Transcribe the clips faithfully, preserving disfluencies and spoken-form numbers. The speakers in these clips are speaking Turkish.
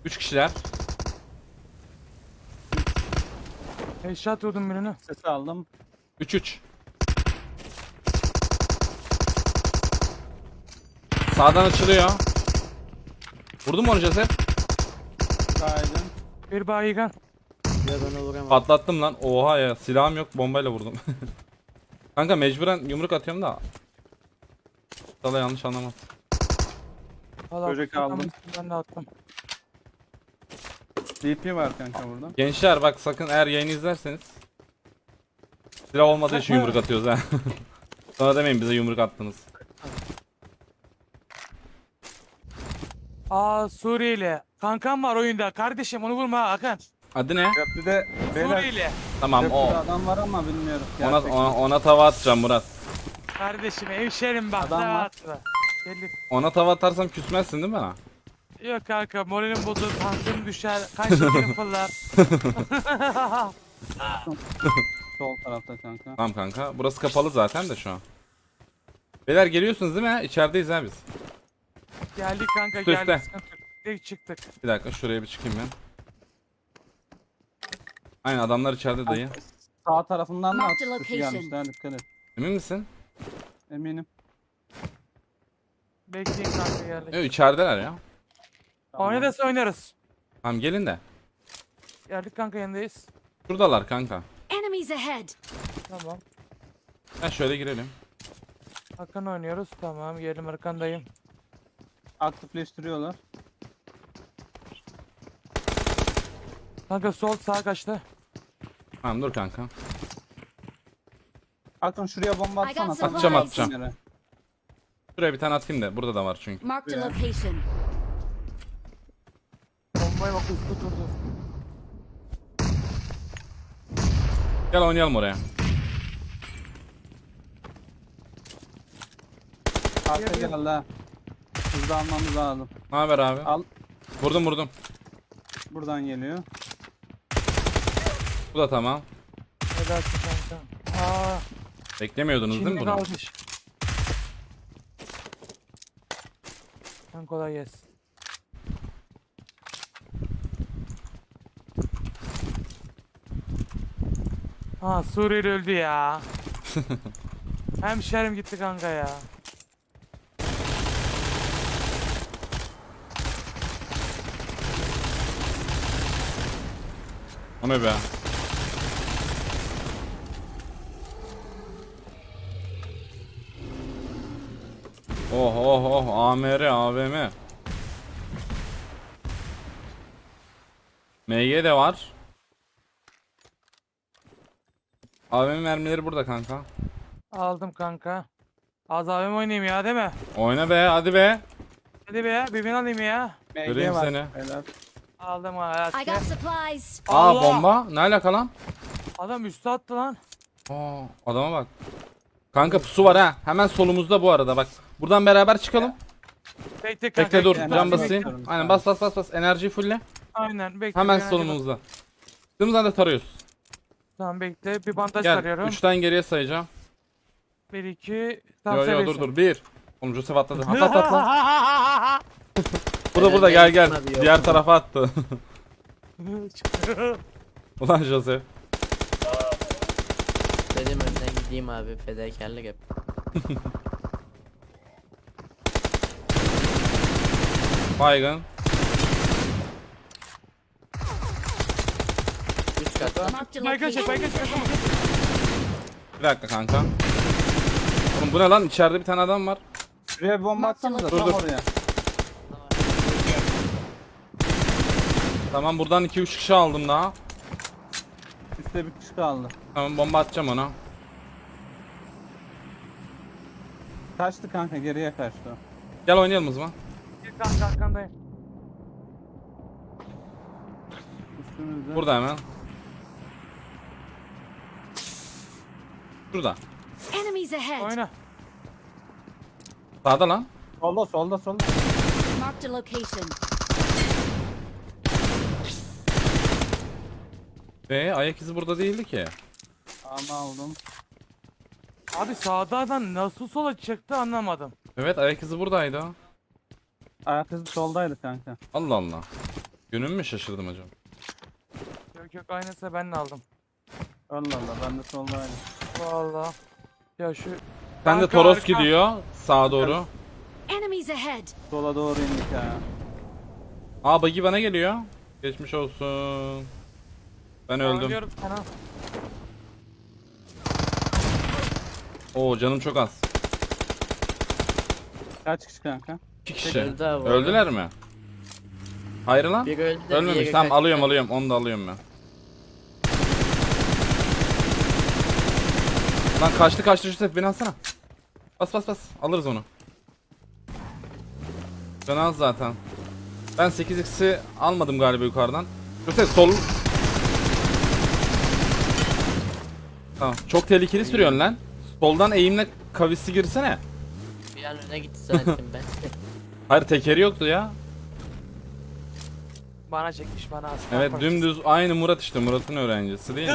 Üç kişiler. Headshot vurdum birini. Sesi aldım. Üç üç. Sağdan açılıyor. Vurdun mu onu Joseph? Kaydım. Bir bayigan. Ya ben vuramam. Patlattım lan. Oha ya. Silahım yok. Bombayla vurdum. Kanka mecburen yumruk atıyorum da. Sana yanlış anlamaz. Valla Böcek kusura aldım. bakmasın, ben de attım. D P var kanka burada. Gençler bak sakın eğer yayını izlerseniz. Silah olmadığı için yumruk atıyoruz ha. Sonra demeyin bize yumruk attınız. Aa Suriyeli. Kankam var oyunda. Kardeşim onu vurma Hakan. Adı ne? Köprüde beyler. Suriyeli. Tamam o. Köprüde adam var ama bilmiyorum. Ona, Gerçekten. ona, ona tava atacağım Murat. Kardeşim hemşerim bak. Adam ne var. atma. Gelin. Ona tava atarsam küsmezsin değil mi bana? Yok kanka moralim bozulur. Tansiyonum düşer. Kan şekerim fırlar. Sol tarafta kanka. Tamam kanka. Burası kapalı zaten de şu an. Beyler geliyorsunuz değil mi? İçerideyiz ha biz. Geldik kanka Üste, geldik. üste. Sıkıntı yok. Direkt çıktık. Bir dakika şuraya bir çıkayım ben. Aynen adamlar içeride dayı. Sağ tarafından da Mark the atış dışı location. gelmişler, dikkat et. Emin misin? Eminim. Bekleyin kanka geldik. Yok içerideler ya. Tamam. Oynarız oynarız. Tamam gelin de. Geldik kanka yanındayız. Şuradalar kanka. Enemies ahead. Tamam. Ha şöyle girelim. Hakan oynuyoruz. Tamam geldim arkandayım. Aktifleştiriyorlar. Kanka sol sağ kaçtı. Tamam dur kanka. Akın şuraya bomba I got atsana. supplies. Atacağım, atacağım. Yere. Şuraya bir tane atayım da burada da var çünkü. Marked a Yeah. location. Bombaya bak üstü durdu. Gel oynayalım oraya. Arka Geliyor. geldi ha. Hızlı almamız lazım. Ne haber abi? Al. Vurdum vurdum. Buradan geliyor. Bu da tamam. Ne dersin kanka? Aa, Beklemiyordunuz değil mi Çin'de bunu? kalmış. Sen kolay gelsin. Ha Suriyeli öldü ya. Hemşerim gitti kanka ya. O ne be? Oh oh oh A M R A V M. M G de var. A V M mermileri burada kanka. Aldım kanka. Az abim oynayayım ya değil mi? Oyna be hadi be. Hadi be ya bir bin alayım ya. M G Göreyim var. seni. Beyler. Aldım ha. I got supplies. Aa Allah! bomba. Ne alaka lan? Adam üstü attı lan. Aa adama bak. Kanka pusu var ha. Hemen solumuzda bu arada bak. Buradan beraber çıkalım. Bekle kanka. Bekle dur. enerji Can basayım. bekliyorum. Aynen bas bas bas bas. Enerjiyi fulle. Aynen bekle. Hemen enerji bak. solumuzda. Çıktığımız anda tarıyoruz. Tamam bekle bir bandaj Gel. sarıyorum. Üçten geriye sayacağım. bir iki. Yo Tam yo seviyorsun. dur dur. Bir. Oğlum Joseph atladı. Atla atla atla. Burada burada gel gel. Hadi yok. Diğer tarafa attı. Ulan Joseph. Dedim önden gideyim abi, fedakarlık yap. Baygın. Üç katta. Marked a Baygın çek baygın location. çek. Bir dakika kanka. Oğlum bu ne lan? İçeride bir tane adam var. Şuraya bir bomba atsanıza Dur, tam dur. oraya. Tamam buradan iki üç kişi aldım daha. Üstte bir kişi kaldı. Tamam bomba atacağım ona. Kaçtı kanka, geriye kaçtı. Gel oynayalım o zaman. Bir kanka arkandayım. Üstümüzde. Burada hemen. Şurada. Enemies ahead. Oyna. Sağda lan. Solda solda solda. Marked a location. Ve ayak izi burada değildi ki. Ama aldım. Abi sağdan nasıl sola çıktı anlamadım. Evet ayak izi buradaydı. Ayak izi soldaydı kanka. Allah Allah. Günüm mü şaşırdım acaba? Yok yok aynısı ben de aldım. Allah Allah ben de solda aynı. Vallahi. Ya şu Sen de Kanka, Toros arka. gidiyor sağa doğru. Enemies ahead. Sola doğru indik ha. Aa buggy bana geliyor. Geçmiş olsun. Ben öldüm. Oynuyorum sana. Oo canım çok az. Kaç kişi kanka? İki kişi. Öldü abi. Öldüler mi? Hayır lan. Bir öldü. Ölmemiş. diğeri Tamam kaçtı. alıyorum alıyorum. Onu da alıyorum ben. Lan kaçtı kaçtı Yusuf beni alsana. Bas bas bas. Alırız onu. Ben az zaten. Ben sekiz x'i almadım galiba yukarıdan. Yusuf sol. Tamam. Çok tehlikeli sürüyorsun lan. Soldan eğimle kavisi girsene. Bir an öne gitti zannettim ben. Hayır tekeri yoktu ya. Bana çekmiş bana aslında. Evet dümdüz aynı Murat işte. Murat'ın öğrencisi değil mi?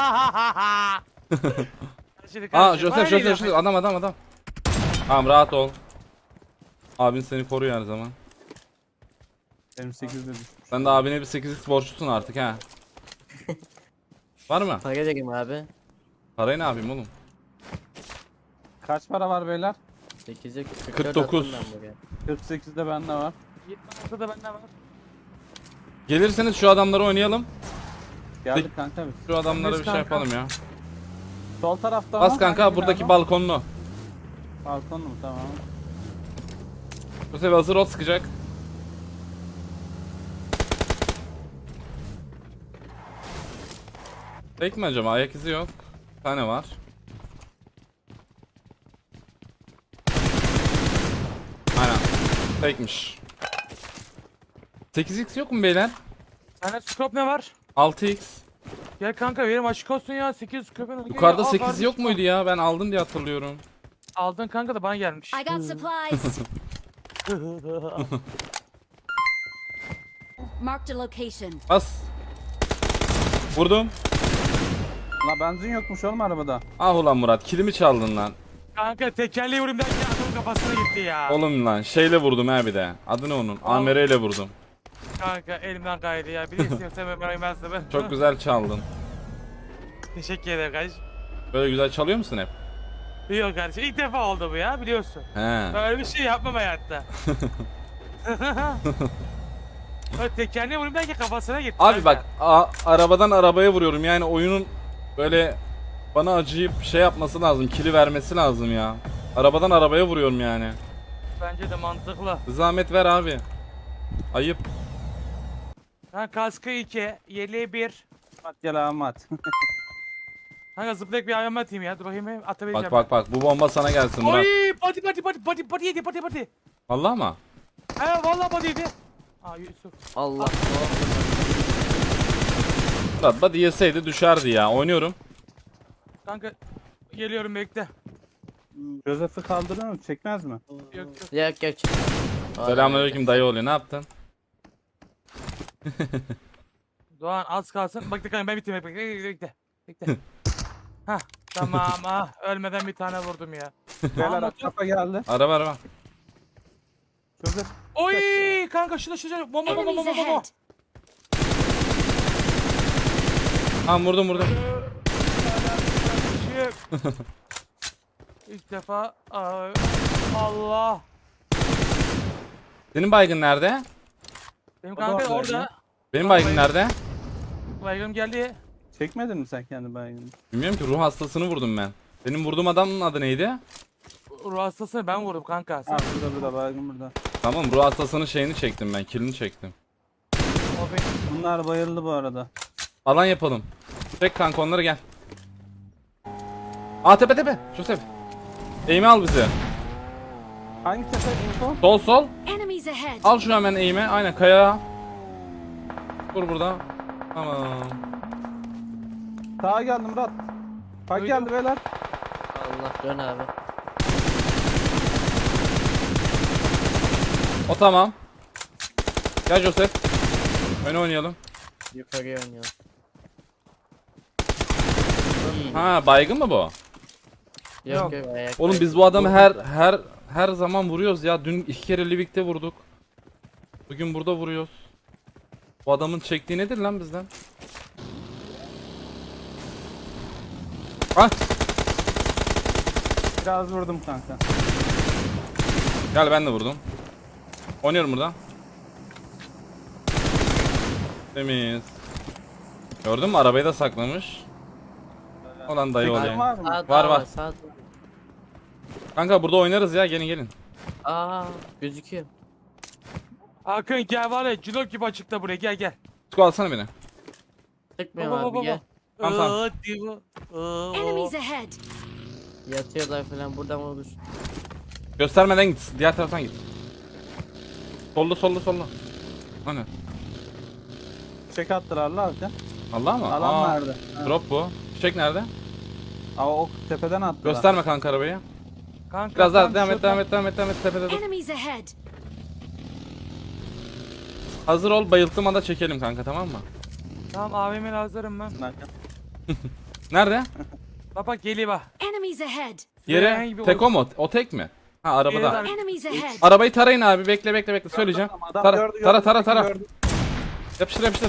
Şimdi Aa kardeşim, Joseph bana Joseph değil Joseph adam adam adam. Tamam rahat ol. Abin seni koruyor her zaman. Benim sekizde düştü. Sen de abine bir sekiz x borçlusun artık ha. Var mı? Para vereyim abi. Parayı ne yapayım oğlum? Kaç para var beyler? sekize kırk dokuz. kırk sekizde bende var. yetmiş altıda bende var. Gelirseniz şu adamları oynayalım. Geldik kanka biz. Şu adamlara Biz bir şey kanka. yapalım ya. Sol tarafta Bas mı? kanka Hangi buradaki binada? balkonlu. Balkon mu? Tamam. Bu sefer hazır ol sıkacak. Tek mi acaba? Ayak izi yok. Bir tane var. Aynen. Tekmiş. sekiz x yok mu beyler? Sende scope ne var? altı x. Gel kanka verim açık olsun ya sekiz scope'un. Yukarıda sekiz yok muydu ya? Ben aldım diye hatırlıyorum. Aldın kanka da bana gelmiş. I got supplies. Marked a location. Bas. Vurdum. La benzin yokmuş oğlum arabada. Ah ulan Murat kilimi çaldın lan. Kanka tekerleği vurayım derken adamın kafasına gitti ya. Oğlum lan şeyle vurdum ha bir de. Adı ne onun? Al. A M R ile vurdum. Kanka elimden kaydı ya. Bir de istiyorsan ben bırakayım ben sana. Çok güzel çaldın. Teşekkür ederim kardeşim. Böyle güzel çalıyor musun hep? Yok kardeşim ilk defa oldu bu ya biliyorsun. He. Böyle bir şey yapmam hayatta. Öyle tekerleği vurayım derken kafasına gitti. Abi kanka. bak a- arabadan arabaya vuruyorum yani oyunun böyle bana acıyıp şey yapması lazım, kili vermesi lazım ya. Arabadan arabaya vuruyorum yani. Bence de mantıklı. Zahmet ver abi. Ayıp. Ha kaskı iki, yeleği bir. At gel abi at. Kanka zıplayıp bir ayağıma atayım ya. Dur bakayım bir atabileceğim. Bak bak bak bu bomba sana gelsin Murat. Oy pati pati pati pati pati yedi pati pati. Allah mı? He vallahi pati yedi. Aa Yusuf. Allah. Murat hadi yeseydi düşerdi ya. Oynuyorum. Kanka geliyorum bekle. Joseph'i kaldırır mı? Çekmez mi? Yok yok. Yok yok. Selamünaleyküm dayı oluyor. Ne yaptın? Doğan az kalsın. Bak kanka ben bitireyim bekle bekle bekle. Bekle. Hah tamam ah ölmeden bir tane vurdum ya. Beyler motor. kafa geldi. Araba araba. Joseph Oy kanka şurada şurada bomba bomba Enemies bomba bomba. ahead. Tamam vurdum vurdum. Kardeşim. İlk defa Aa, Allah. Senin baygın nerede? Benim O da kanka oradaydı. orada. Benim baygın nerede? Baygım geldi. çekmedin mi sen kendi baygını? Bilmiyorum ki ruh hastasını vurdum ben. Benim vurduğum adamın adı neydi? Ruh hastasını ben vurdum kanka. Sen, Ha burada burada baygın burada. Tamam ruh hastasının şeyini çektim ben. Kilini çektim. o benim. Bunlar bayıldı bu arada. Alan yapalım. Çek kanka onları gel. Aa tepe tepe. Şu tepe. Eğimi al bizi. Hangi tepe info? Sol sol. Enemies ahead. Al şunu hemen eğime. Aynen kaya. Dur burada. Tamam. Sağa geldim Murat. Bak Duydum. geldi beyler. Allah dön abi. O tamam. Gel Joseph. Öne oynayalım. Yukarıya oynuyor. Ha baygın mı bu? Yok Yok. yok ayak. Oğlum biz bu adamı her her her zaman vuruyoruz ya. Dün iki kere Livik'te vurduk. Bugün burada vuruyoruz. Bu adamın çektiği nedir lan bizden? Ah! Biraz vurdum kanka. Gel ben de vurdum. Oynuyorum burada. Temiz. Gördün mü arabayı da saklamış. Olan dayı Çekim olayım. var mı? Sağ Var, var var. var. Sağ Kanka burada oynarız ya, gelin gelin. Aa gözüküyor. Hakan gel var ya cilok gibi açıkta buraya gel gel. Tutku alsana beni. Sıkmıyorum Baba, abi baba, gel. Tamam, tamam. Iıı, divo, ıı, Enemies o. ahead. Yatıyorlar falan buradan olur. Göstermeden git. Diğer taraftan git. Sollu sollu sollu. Hani? Çek attılar lan abi. Allah mı? Alan Aa, nerede? Ha. drop bu. Fişek nerede? Aa, o tepeden attılar. Gösterme kanka arabayı. Kanka, Biraz daha tam devam et, şuradan- devam et, devam et, devam et. Tepede dur. Enemies ahead. Hazır ol, bayılttığım anda çekelim kanka, tamam mı? Tamam abimin hazırım ben. Kanka. Nerede? Bak bak geliyor bak. Enemies ahead. Yere. Herhangi bir Tek ol- o mu? O tek mi? Ha arabada. Yere- Enemies ahead. Arabayı tarayın abi, bekle bekle bekle, söyleyeceğim. Tamam, adam Tara gördü, tara gördü, tara tara. gördü. Yapıştır yapıştır.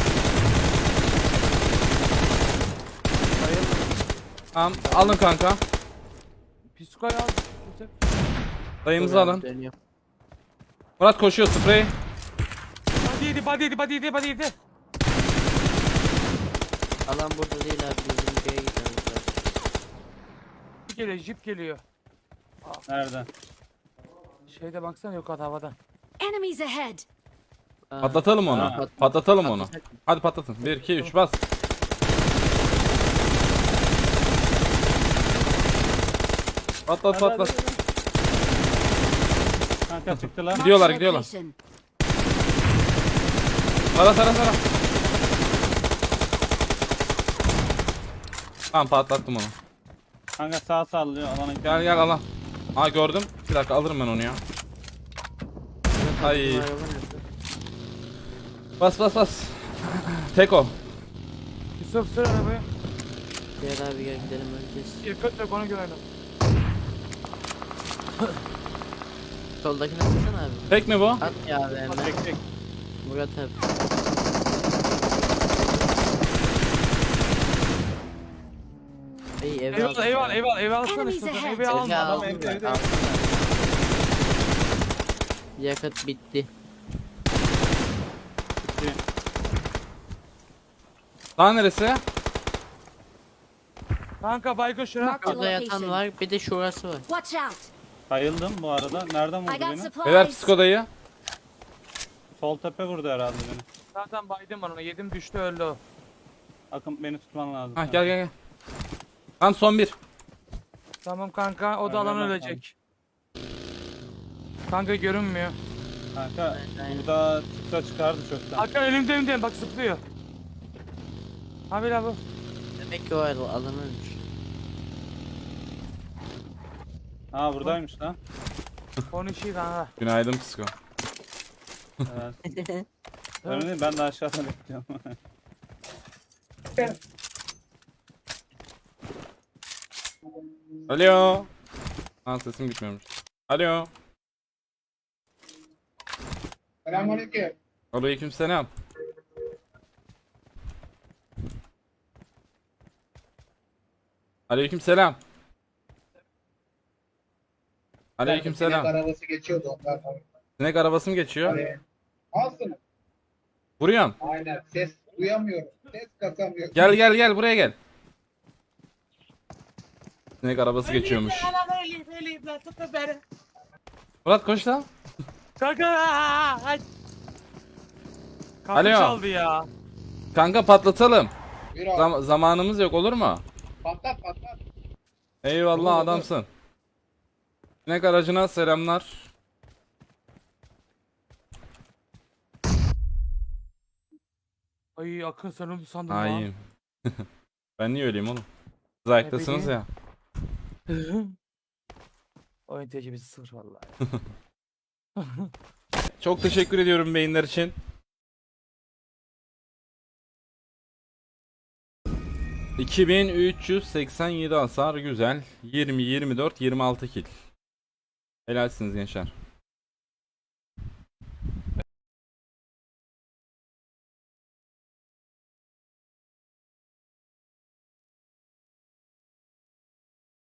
Tamam, alın kanka. Psikoy al. Dayımızı Dur abi, alın. dönüyorum. Murat koşuyor, sprey. Body yedi body yedi body yedi body yedi. Alan burada değil abi bizim köye gitmemiz lazım. Jip geliyor jip geliyor. Nerede? Şeyde baksana yok at havada. Enemies ahead. Aa, Patlatalım onu. Ha. Patlatalım onu. Patlasak mı? Hadi patlatın. bir iki üç bas. Patlat patlat. Kanka çıktılar. Gidiyorlar, Marked a gidiyorlar. location. Tara tara tara. Tamam patlattım onu. Kanka sağ sallıyor alana gidiyor. Gel gel ala. Aa gördüm. Bir dakika alırım ben onu ya. Ay. Bizim araba nerede? Bas bas bas. Teko. Yusuf sür arabayı. Gel abi gel gidelim herkes. Yakıt yok onu görelim. Soldakine sıksana abi. Tek mi bu? At ya abi hemen. Çek çek. Murat abi. İyi eve Eyvallah al. eyvallah eyvallah eyvallah alsana Enemies istiyorsan ahead. evi alma. Evi al. Adam evde evde. Yakıt bitti. Daha neresi? Kanka baygın şuna. Mark the Burada yatan location. var bir de şurası var. Watch out. Bayıldım bu arada. Nereden I vurdu got beni? Beyler supplies. psikodayı. Sol tepe vurdu herhalde beni. Zaten baydım ben ona yedim düştü öldü o. Akın beni tutman lazım. Ha gel gel gel. Tam son bir. Tamam kanka o da Aynen, alan aynen. ölecek. Kanka görünmüyor. Kanka Aynen. burada çıksa çıkardı çoktan. Hakan önümde önümde bak zıplıyor. Abi la bu. Demek ki o ayrı alanı ölmüş. Ha buradaymış lan. Konuşuyor kanka. Günaydın psiko. Evet. Öyle değil, ben de aşağıdan bekliyorum. Alo. Ha sesim gitmiyormuş. Alo. Selamünaleyküm. Aleykümselam. Aleykümselam. Aleykümselam. Sinek arabası geçiyordu ondan. Sinek arabası mı geçiyor? Hani, alsın. Vuruyorum. Aynen. Ses duyamıyorum. Ses kasamıyorum. Gel gel gel buraya gel. Sinek arabası geçiyormuş. Murat koş lan. Kanka. Ay. Kapı Alo. çaldı ya. Kanka patlatalım. Bir abi. Zam- zamanımız yok, olur mu? Patlat patlat. Eyvallah Olur, olur. adamsın. Sinek aracına selamlar. Ay Akın sen öldü sandım Ha ya. iyiyim. Ben niye öleyim oğlum? Siz ayaktasınız bileyim. ya. Oyun tecrübesi sıfır vallahi. Çok teşekkür ediyorum beyinler için. iki bin üç yüz seksen yedi hasar, güzel. yirmi, yirmi dört, yirmi altı kill. Helalsiniz gençler.